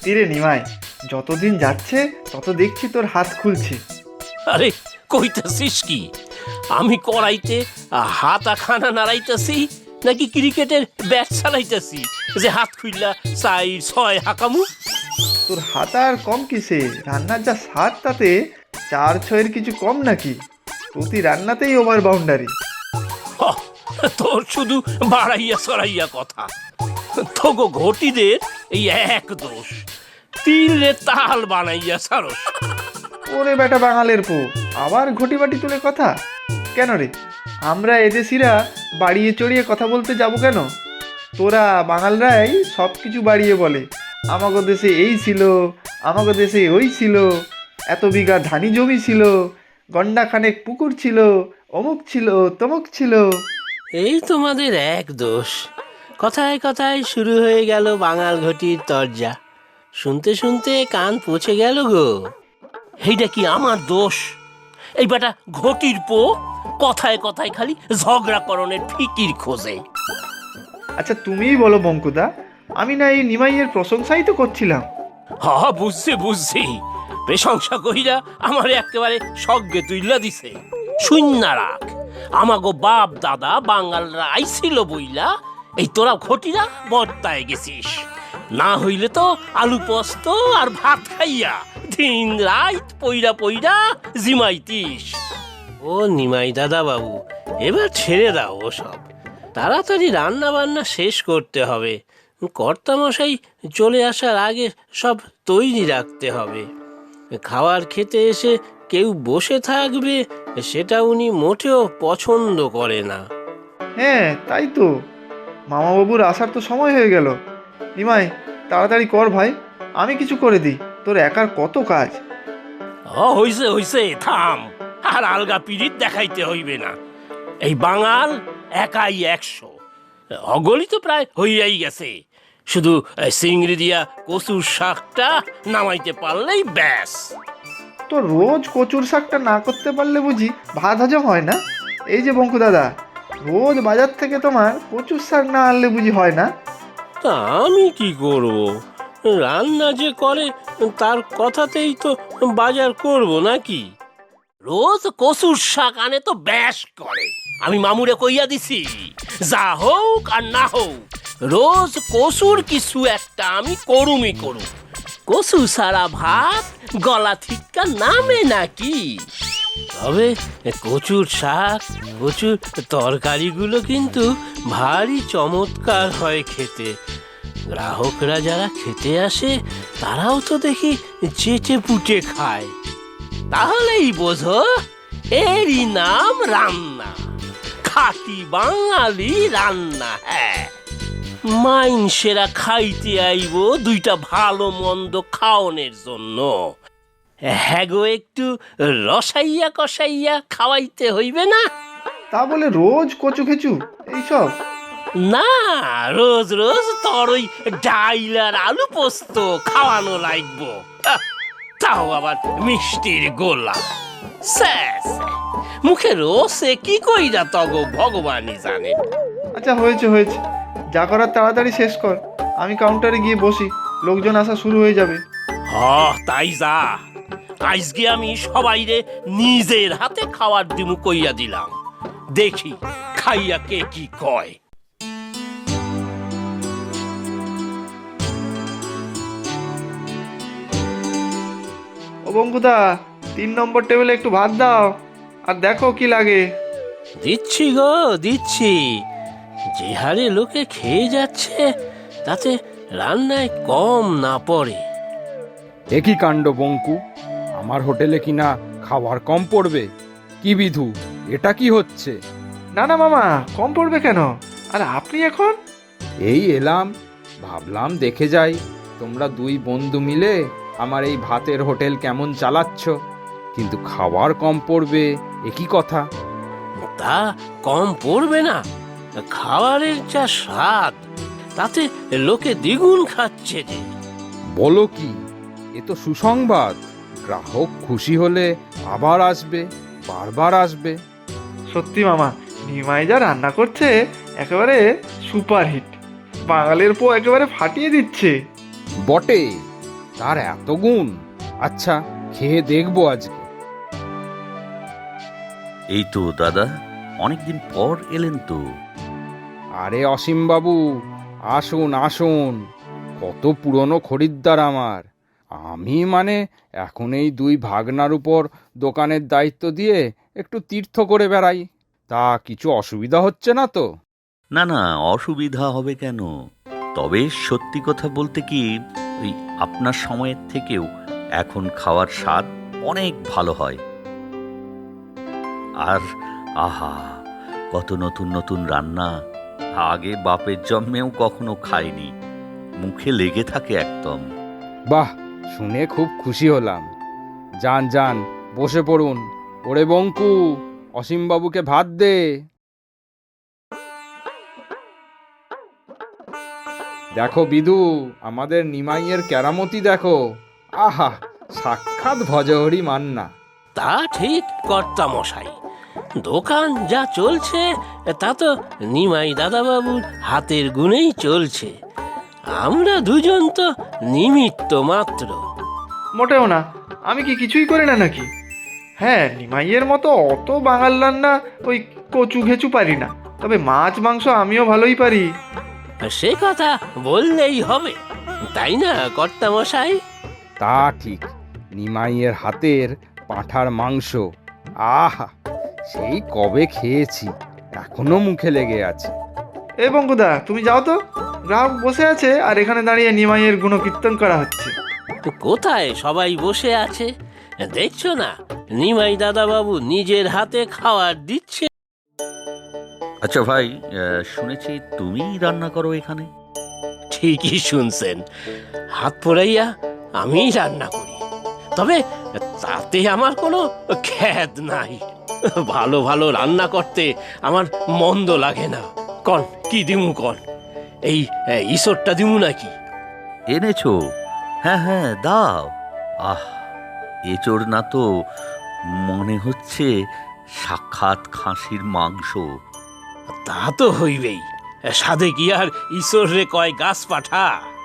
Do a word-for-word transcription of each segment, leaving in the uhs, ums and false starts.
সত্যি রে নিমাই, যতদিন যাচ্ছে তত দেখছি তোর হাত খুলছে। আরে কইতাছিস কি? আমি কড়াইতে হাত খানা নাড়াইতাছি নাকি ক্রিকেটের ব্যাট চালাইতাছি যে হাত খুললা চাই ছয় হাকামু? তোর হাত আর কম কিসে, রান্নার যা স্বাদ তাতে চার ছয়ের কিছু কম নাকি? প্রতি রান্নাতেই ওভার বাউন্ডারি। হ্যাঁ, তোর শুধু বাড়াইয়া সরাইয়া কথা। তোগো ঘটিদের এই এক দোষ, তিলে তাল বানাইয়া সারস। ওরে বেটা বাঙালের পো, আবার ঘটি বাটি তুলে কথা কেন রে? আমরা এদেশিরা বাড়িয়ে চড়িয়ে কথা বলতে যাব কেন? তোরা বাঙালরাই সব কিছু বাড়িয়ে বলে, আমাগো দেশে এই ছিল, আমাগো দেশে ওই ছিল, এত বিঘা ধানি জমি ছিল, গন্ডা খানেক পুকুর ছিল, অমুক ছিল তমুক ছিল। এই তোমাদের এক দোষ। কথায় কথায় শুরু হয়ে গেল বাঙাল ঘটির তরজা। শুনতে শুনতে কান পচে গেল গো। এইটা কি আমার দোষ? এই বেটা ঘটির পো কথায় কথায় খালি ঝগড়া করণের ফিকির খোঁজে। আচ্ছা তুমিই বলো বঙ্কুদা, আমি না এই নিমাইয়ের প্রশংসাই তো করছিলাম। হ বুঝছি বুঝছি, প্রশংসা কইরা আমার একেবারে স্বর্গে তুইলা দিছে। শূন্য রাখ, আমাগো বাপ দাদা বাঙালরা আইছিল বইলা এই তোরা ঘটিরা বর্তায় গেছিস। না হইলে তো আলু পোস্ত আর ভাত খাইয়া দিন রাত পইরা পইরা জিমাইতিস। ও নিমাই দাদা বাবু, এবার ছেড়ে দাও ওসব। তাড়াতাড়ি রান্না বান্না শেষ করতে হবে। কর্তামশাই চলে আসার আগে সব তৈরি রাখতে হবে। খাবার খেতে এসে কেউ বসে থাকবে সেটা উনি মোটেও পছন্দ করে না। হ্যাঁ তাই তো, মামাবাবুর আসার তো সময় হয়ে গেল। নিমাই তাড়াতাড়ি কর ভাই, আমি কিছু করে দিই, তোর একার কত কাজ। ও হইছে হইছে, থাম। আর আলগা পিড়িত দেখাইতে হইবে না। এই বাঙাল একাই একশো, অগলি তো প্রায় হইয়াই গেছে। শুধু চিংড়ি দিয়া কচুর শাকটা নামাইতে পারলেই ব্যাস। তো রোজ কচুর শাকটা না করতে পারলে বুঝি ভাত হজম হয় না? এই যে বঙ্কু দাদা, রোজ বাজার থেকে তোমার কচুর শাক না আনলে বুঝি হয় না? তা আমি কি করব? রান্না যে করে তার কথাতেই তো বাজার করব নাকি? রোজ কচুর শাক আনে তো ব্যাস করে। আমি মামুরে কইয়া দিছি, যা হোক আর না হোক রোজ কচুর কিছু একটা আমি করুমই করুম। কচু সারা ভাত গলা থিক্কা নামে নাকি? তবে কচুর শাক কচুর তরকারিগুলো কিন্তু ভারী চমৎকার হয় খেতে। গ্রাহকরা যারা খেতে আসে তারাও তো দেখি চেটে পুটে খায়। তাহলেই বোঝো এরই নাম রান্না, খাঁটি বাঙালি রান্না। হ্যাঁ, মাইনসেরা খাইতে আইব দুইটা ভালো মন্দ খাওনের জন্য। হ্যাঁ গো, একটু রসাইয়া কষাইয়া খাওয়াইতে হইবে না? তা বলে রোজ কচু খেচু এইসব? না, রোজ রোজ তোর ওই ডাইল আর আলু পোস্ত খাওয়ানো লাগবো, তাও আবার মিষ্টির গোলা। স্যাস, মুখে রসে কি কইরা তগো ভগবানই জানে। আচ্ছা হয়েছে হয়েছে, যা করার তাড়াতাড়ি শেষ কর, আমি কাউন্টারে গিয়ে বসি, লোকজন আসা শুরু হয়ে যাবে। হ তাই যা। আজকে আমি সবাইরে নিজের হাতে খাওয়ার দিমু কইয়া দিলাম, দেখি খাইয়া কে কি কয়। ও বঙ্কুদা, তিন নম্বর টেবিলে একটু ভাত দাও, আর দেখো কি লাগে। দিচ্ছি গো দিচ্ছি। যে হারে লোকে খেয়ে যাচ্ছে তাতে রান্নায় কম না পড়ে। একই কাণ্ড বঙ্কু, আমার হোটেলে কিনা খাবার কম পড়বে? কি বিধু, এটা কি হচ্ছে? না না মামা, কম পড়বে কেন? আর আপনি এখন? এই এলাম, ভাবলাম দেখে যাই তোমরা দুই বন্ধু মিলে আমার এই ভাতের হোটেল কেমন চালাচ্ছ। কিন্তু খাবার কম পড়বে একই কথা। তা কম পড়বে না? খাবারের যা স্বাদ তাতে লোকে দ্বিগুণ খাচ্ছে যে। বলো কি, এ তো সুসংবাদ। গ্রাহক খুশি হলে আবার আসবে, বারবার আসবে। সত্যি মামা, নিমাই যা রান্না করছে একেবারে সুপারহিট, বাঙালির পো একেবারে ফাটিয়ে দিচ্ছে। বটে, তার এত গুণ? আচ্ছা, খেয়ে দেখবো আজকে। এই তো দাদা, অনেকদিন পর এলেন তো। আরে অসীম বাবু, আসুন আসুন, কত পুরনো খরিদ্দার আমার। আমি মানে এখন এই দুই ভাগনার উপর দোকানের দায়িত্ব দিয়ে একটু তীর্থ করে বেড়াই। তা কিছু অসুবিধা হচ্ছে না তো? না না, অসুবিধা হবে কেন? তবে সত্যি কথা বলতে কি, ওই আপনার সময়ের থেকেও এখন খাওয়ার স্বাদ অনেক ভালো হয়। আর আহা, কত নতুন নতুন রান্না, আগে বাপের জন্মেও কখনো খাইনি, মুখে লেগে থাকে একদম। বাহ, শুনে খুব খুশি হলাম। যান যান, বসে পড়ুন। ওরে বঙ্কু, অসীমবাবুকে ভাত দে। দেখো বিদু, আমাদের নিমাইয়ের কেরামতি দেখো। আহা, সাক্ষাৎ ভজহরি মান্না। তা ঠিক কর্তা মশাই, দোকান যা চলছে তা তো নিমাই দাদাবাবুর হাতের গুণেই চলছে। আমরা দুজন তো নিমিত্ত মাত্র। মোটেও না, আমি কি কিছুই করি না নাকি? হ্যাঁ, নিমাইয়ের মতো অত বাঙাল রান্না ওই কচু ঘেচু পারি না, তবে মাছ মাংস আমিও ভালোই পারি। সে কথা বললেই হবে, তাই না কর্তা মশাই? তা ঠিক, নিমাইয়ের হাতের পাঁঠার মাংস, আহা, সেই কবে খেয়েছি, এখনো মুখে লেগে আছে। এ বঙ্কুদা, তুমি যাও তো, গ্রাহক বসে আছে আর এখানে দাঁড়িয়ে নিমাইয়ের গুণকীর্তন করা হচ্ছে। তো কোথায় সবাই বসে আছে, দেখছো না? নিমাই দাদাবাবু নিজের হাতে খাবার দিচ্ছে। আচ্ছা ভাই, আহ, শুনেছি তুমিই রান্না করো এখানে? ঠিকই শুনছেন, হাত পোড়াইয়া আমি রান্না করি, তবে তাতে আমার কোনো খ্যাত নাই। ভালো ভালো রান্না করতে আমার মন্দ লাগে না। কন কি দিমু কন? এই ঈশ্বরটা দিমু নাকি? এনেছো? হ্যাঁ হ্যাঁ, দাও। আহ, এচোর না তো, মনে হচ্ছে সাক্ষাৎ খাসির মাংস। তা তো হইবেই, সাধে কি আর ঈশ্বর রে কয় গাছ পাঠা?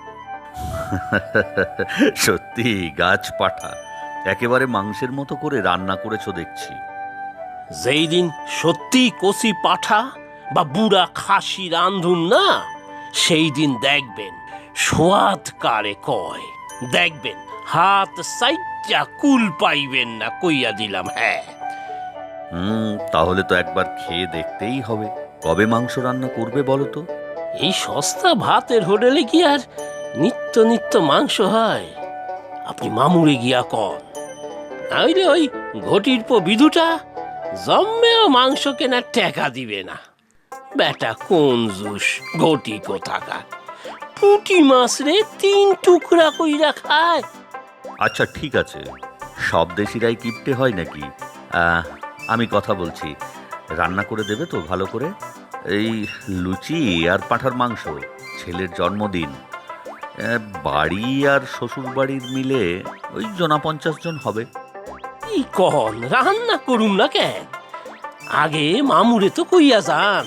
সত্যি গাছ পাঠা, একেবারে মাংসের মতো করে রান্না করেছো দেখছি। যেই দিন সত্যি কচি পাঠা বা বুড়া খাসি রান্ধুন না, সেই দিন দেখবেন সোয়াদ কারে কয়। দেখবেন হাত সাইডটা কুল পাইবেন না, কইয়া দিলাম। হ্যাঁ, হুম, তাহলে তো একবার খেয়ে দেখতেই হবে। কবে মাংস রান্না করবে বলো তো? এই সস্তা ভাতের হোটেলে কি আর নিত্য নিত্য মাংস হয়? আপনি মামুরে গিয়া কন, নাইলে ওই ঘটির পো বিধুটা জম্মেও মাংস কেনার টাকা দিবে না। বেটা কোন জুস, ঘটি কোথাকার। পুঁটি মাছ রে তিন টুকরা কইরা খায়। আচ্ছা ঠিক আছে, সব দেশিরাই কিপটে হয় নাকি? আহ, আমি কথা বলছি, রান্না করে দেবে তো ভালো করে? এই লুচি আর পাঁঠার মাংস, ছেলের জন্মদিন, আহ, বাড়ি আর শ্বশুর বাড়ির মিলে ওই জনা পঞ্চাশ জন হবে। কি কন, রান্না করুম না কেন? আগে মামুরে তো কইয়া যান।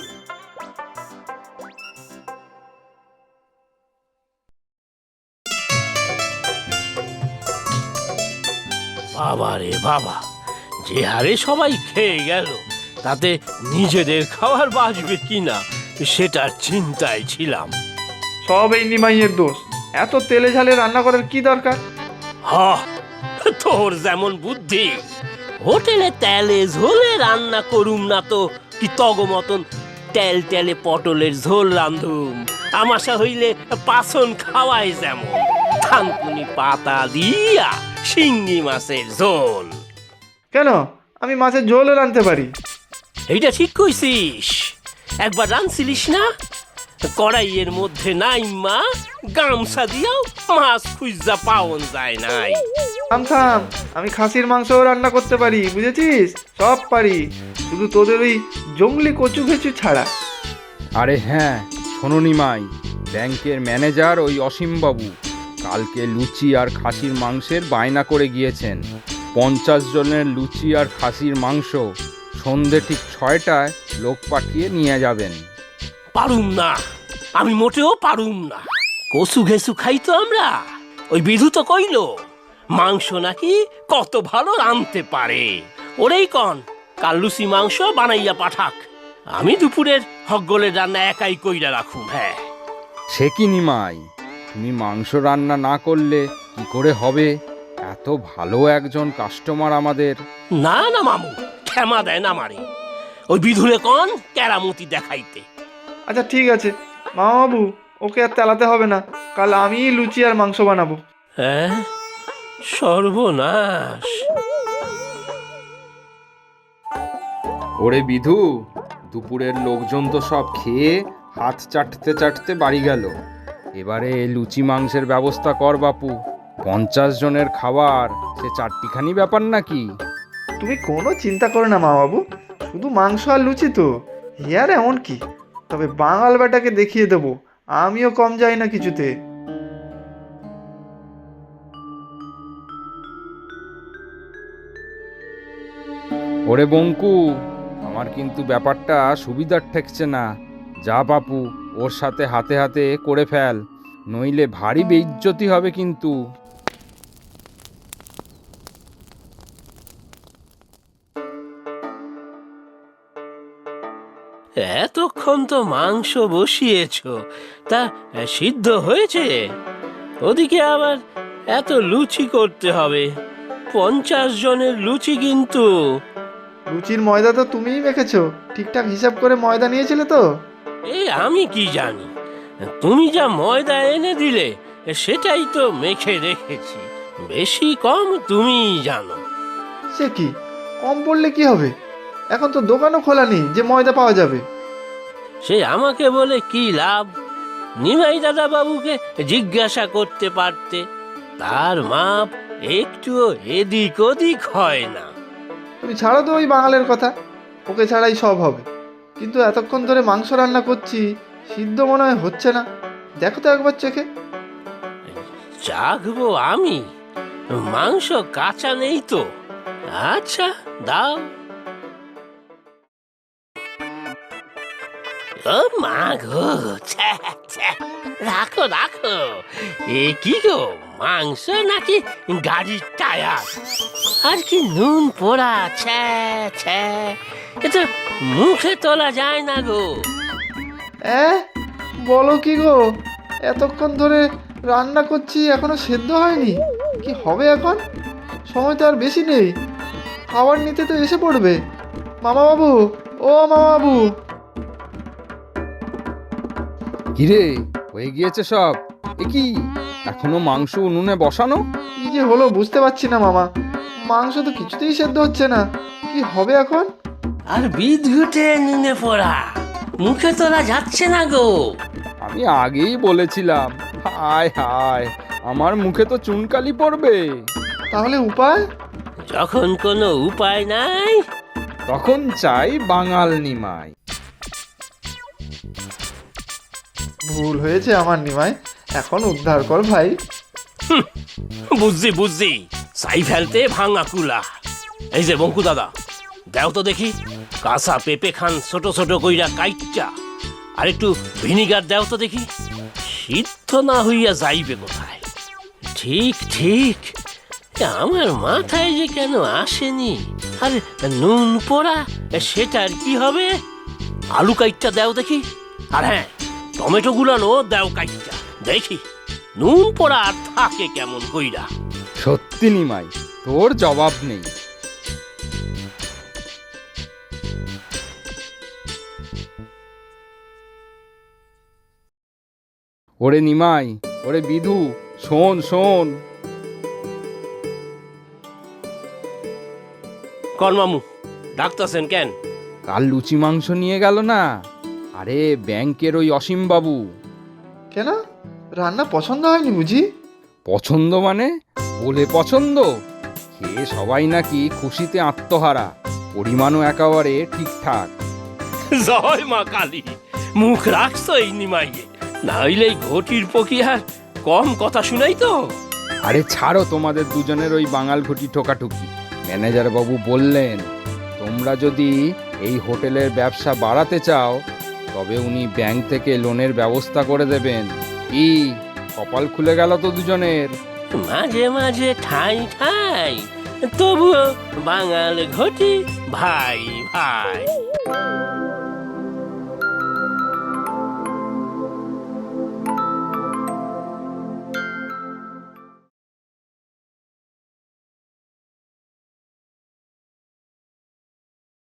বাবা রে বাবা, যে হারে সবাই খেয়ে গেল, তাতে নিজেদের খাবার বাঁচবে কিনা সেটার চিন্তায় ছিলাম। সব এই নিমাইয়ের দোষ। এত তেলে ঝালে রান্না করার কি দরকার? হ, তোর যেমন বুদ্ধি, হোটেলে তেলে ঝোলে রান্না করুম না তো কি তগ মতন তেল তেলে পটলের ঝোল রান্ধুম। আমাশা হইলে পাছন খাওয়াই যেমন থানকুনি পাতা দিয়া শিঙ্গি মাছের ঝোল। কেন, আমি মাছের ঝোলও রাঁধতে পারি। এইটা ঠিক কইছিস, একবার রাঁধছিলিস না? কড়াইয়ের মধ্যে নাই মা গামছা দিয়াও মাছ খুঁজা পাওন যায় নাই। থাম থাম, আমি খাসির মাংসও রান্না করতে পারি, বুঝেছিস? সব পারি, শুধু তোদের ওই জঙ্গলি কচু ঘেচু ছাড়া। আরে হ্যাঁ, শোনো নিমাই, ব্যাংকের ম্যানেজার ওই অসীমবাবু কালকে লুচি আর খাসির মাংসের বায়না করে গিয়েছেন। পঞ্চাশ জনের লুচি আর খাসির মাংস সন্ধে ঠিক ছয়টায় লোক পাঠিয়ে নিয়ে যাবেন। পারুম না, আমি মোটেও পারুম না। কচু ঘেসু খাই তো আমরা, ওই বিধু তো কইল মাংস নাকি কত ভালো রাঁধতে পারে। ওরেই কন কাল লুচি মাংস বানাইয়া পাঠাক, আমি দুপুরের হগগোলের রান্না একাই কইরা রাখুম। হ্যাঁ, সে কি নিমাই, তুমি মাংস রান্না না করলে কি করে হবে? এত ভালো একজন কাস্টমার আমাদের। না না মামু, ক্ষমা দেয় না মারে। ওই বিধুরে কন কেরামতি দেখাইতে। আচ্ছা ঠিক আছে মামাবাবু, ওকে আর তেলাতে হবে না, কাল আমিই লুচি আর মাংস বানাবো। হ্যাঁ, সর্বনাশ। ওরে বিধু, দুপুরের লোকজন তো সব খেয়ে হাত চাটতে চাটতে বাড়ি গেল। এবারে লুচি মাংসের ব্যবস্থা কর বাপু। পঞ্চাশ জনের খাবার সে চারটিখানি ব্যাপার নাকি? তুমি কোনো চিন্তা করো না মামাবাবু, শুধু মাংস আর লুচি তো, ইয়ার এমন কি। তবে বাঙাল বেটাকে দেখিয়ে দেবো আমিও কম যাই না কিছুতে। ওরে বঙ্কু, আমার কিন্তু ব্যাপারটা সুবিধার ঠেকছে না। যা বাপু, ওর সাথে হাতে হাতে করে ফেল, নইলে ভারী বেইজ্জতি হবে কিন্তু। এতক্ষণ তো মাংস বসিয়েছ, তা সিদ্ধ হয়েছে? ওদিকে আবার এত লুচি করতে হবে, পঞ্চাশ জনের লুচি কিন্তু। লুচির ময়দা তো তুমিই মেখেছো, ঠিকঠাক হিসাব করে ময়দা নিয়েছিলে তো? এ আমি কি জানি, তুমি যা ময়দা এনে দিলে সেটাই তো মেখে রেখেছি, বেশি কম তুমিই জানো। সে কি, কম পড়লে কি হবে? এখন তো দোকানও খোলা নেই যে ময়দা পাওয়া যাবে। সে আমাকে বলে কি লাভ? নিমাই দাদা বাবুকে জিজ্ঞাসা করতে পারতে, তার মাপ একটুও এদিক ওদিক হয় না। তুমি ছাড়ো তো ওই বাঙালের কথা, ওকে ছাড়াই সব হবে। কিন্তু এতক্ষণ ধরে মাংস রান্না করছি, সিদ্ধ মনে হয় হচ্ছে না। দেখো তো একবার চেখে। চাখবো আমি? মাংস কাঁচা নেই তো। আচ্ছা দাও। ও মা গো, ছ্যা, ছ্যা। রাখো রাখো। এ কি গো, মাংস নাকি গাড়ির টায়ার? আর কি নুন পোড়া, ছ্যা ছ্যা। এ তো মুখে তোলা যায় না গো। এ বলো কি গো, এতক্ষণ ধরে রান্না করছি এখনো সেদ্ধ হয়নি? কি হবে এখন? সময় তো আর বেশি নেই, খাবার নিতে তো এসে পড়বে। মামাবাবু, ও মামাবাবু। কিরে, হয়ে গিয়েছে সব? এ কি, এখনো মাংস উনুনে বসানো? কি যে হলো বুঝতে পারছি না মামা, মাংস তো কিছুতেই সেদ্ধ হচ্ছে না। কি হবে এখন? আর বিদ্যুটে নুনে পোড়া, মুখে তোলা যাচ্ছে না গো। আমি আগেই বলেছিলাম, হায় হায়, আমার মুখে তো চুনকালি পড়বে। তাহলে উপায়? যখন কোনো উপায় নাই, তখন চাই বাঙাল নিমাই। ভুল হয়েছে আমার নিমাই, এখন উদ্ধার কর ভাই। বুঝছি বুঝছি, সাই ফেলতে ভাঙা কুলা। এই যে বঙ্কু দাদা, দেও তো দেখি কাঁচা পেঁপে খান ছোট ছোট কইরা কাইটটা, আর একটু ভিনিগার দেও তো দেখি। সিদ্ধ না হইয়া যাইবে কোথায়? ঠিক ঠিক, আমার মাথায় যে কেন আসেনি। আর নুন পোড়া, সেটার কি হবে? আলু কাইটটা দেও দেখি। আর হ্যাঁ, টমেটো গুলানো দেও কাইটটা দেখি, নুন পোড়া আর থাকে কেমন কইরা। সত্যি নিমাই, তোর জবাব নেই। ওরে নিমাই, ওরে বিধু, শোন শোন। কর্মামু ডাকতেছেন কেন? কাল লুচি মাংস নিয়ে গেল না? আরে ব্যাংকের ওই অসীম বাবু। কেন, রান্না পছন্দ হয়নি বুঝি? পছন্দ মানে বলে পছন্দ? খেয়ে সবাই নাকি খুশিতে আত্মহারা, পরিমাণও একেবারে ঠিকঠাক। জয় মা কালী, মুখ রাখছো এই নিমাইয়ে, না হইলে এই ঘটির পকিয়ার কম কথা শুনাই তো। আরে ছাড়ো তোমাদের দুজনের ওই বাঙাল ঘটি ঠোকাঠুকি। ম্যানেজার বাবু বললেন, তোমরা যদি এই হোটেলের ব্যবসা বাড়াতে চাও তবে উনি ব্যাংক থেকে লোনের ব্যবস্থা করে দেবেন। কি কপাল খুলে গেল তো দুজনের। মাঝে মাঝে ঠাই ঠাই, তবুও বাঙাল ঘটি ভাই ভাই।